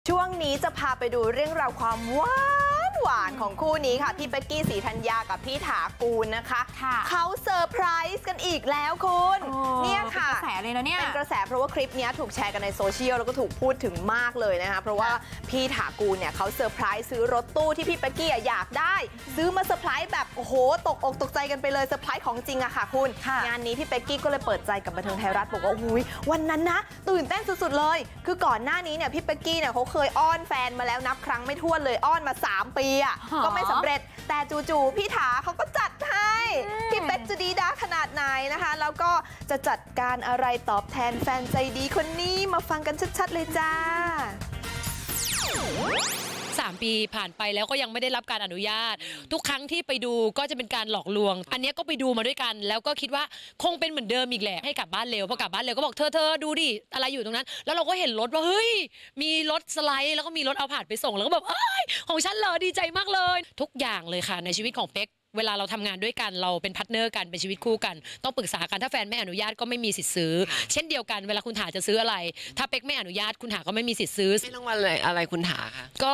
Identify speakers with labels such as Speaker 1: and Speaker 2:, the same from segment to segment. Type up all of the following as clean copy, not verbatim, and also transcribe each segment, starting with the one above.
Speaker 1: ช่วงนี้จะพาไปดูเรื่องราวความหวานของคู่นี้ค่ะพี่เป๊กกี้ศรีธัญญากับพี่ถากูลนะคะเขาเซอร์ไพรส์กันอีกแล้วคุณเนี่ยค่ะเป็นกระแสเลยนะเนี่ยเป็นกระแสเพราะว่าคลิปนี้ถูกแชร์กันในโซเชียลแล้วก็ถูกพูดถึงมากเลยนะคะเพราะว่าพี่ถากูลเนี่ยเขาเซอร์ไพรส์ซื้อรถตู้ที่พี่เป๊กกี้อยากได้ซื้อมาเซอร์ไพรส์แบบโอ้โหตกอกตกใจกันไปเลยเซอร์ไพรส์ของจริงอะค่ะคุณงานนี้พี่เป๊กกี้ก็เลยเปิดใจกับบันเทิงไทยรัฐบอกว่าอุ้ยวันนั้นนะตื่นเต้นสุดๆเลยคือก่อนหน้านี้เนี่ยพี่เป๊กกี้เนี่ยเขาเคยอ้อนแฟนมาแล้วนับครั้งไม่ถ้วนเลยอ้อนมา3 ปีอ่ะก็ไม่สำเร็จแต่จู่ๆพี่ถาเขาก็จัดให้พี่เป๊กจะดีด้าขนาดไหนนะคะแล้วก็จะจัดการอะไรตอบแทนแฟนใจดีคนนี้มาฟังกันชัดๆเลยจ้า
Speaker 2: 3 ปีผ่านไปแล้วก็ยังไม่ได้รับการอนุญาตทุกครั้งที่ไปดูก็จะเป็นการหลอกลวงอันนี้ก็ไปดูมาด้วยกันแล้วก็คิดว่าคงเป็นเหมือนเดิมอีกแหละให้กลับบ้านเร็วพอกลับบ้านเร็วก็บอกเธอดูดิอะไรอยู่ตรงนั้นแล้วเราก็เห็นรถว่าเฮ้ยมีรถสไลด์แล้วก็มีรถเอาผ่านไปส่งแล้วก็แบบเอ้ยของฉันเหรอดีใจมากเลยทุกอย่างเลยค่ะในชีวิตของเป๊กเวลาเราทำงานด้วยกันเราเป็นพาร์ทเนอร์กันเป็นชีวิตคู่กันต้องปรึกษากันถ้าแฟนไม่อนุญาตก็ไม่มีสิทธิ์ซื้อเช่นเดียวกันเวลาคุณถาจะซื้ออะไรถ้าเป๊กไม่อนุญาตคุณถาก็ไม่มีสิทธิ์ซื้อ
Speaker 3: ไม่ต้องวันอะไรคุณถาคะ
Speaker 2: ก็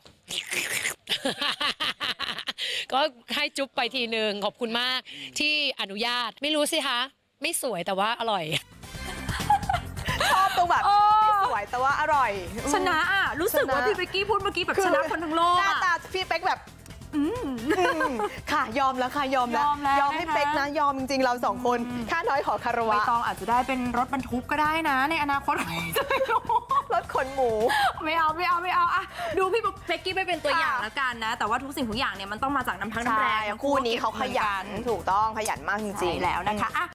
Speaker 2: ก็ให้จุ๊บไปทีนึงขอบคุณมากที่อนุญาตไม่รู้สิคะไม่สวยแต่ว่าอร่อย
Speaker 1: ชอบตรงแบบไม่สวยแต่ว่าอร่อย
Speaker 4: ชนะอ่ะรู้สึกว่าพี่เป๊กกี้พูดเมื่อกี้แบบชนะคนทั้งโลก
Speaker 1: หน้าตาพี่เป๊กแบบค่ะยอมแล้วค่ะยอมให้เป๊กนะยอมจริงๆเรา2 คนค่าน้อยขอคารวะ
Speaker 4: ใบตองอาจจะได้เป็นรถบรรทุกก็ได้นะในอนาคต
Speaker 1: รถขนหมู
Speaker 4: ไม่เอาอะดูพี่เป๊กกี้ไปเป็นตัวอย่างแล้วกันนะแต่ว่าทุกสิ่งทุกอย่างเนี่ยมันต้องมาจากน้ำพักน้ำแรง
Speaker 1: คู่นี้เขาขยันถูกต้องขยันมากจริงๆ
Speaker 4: แล้วนะคะ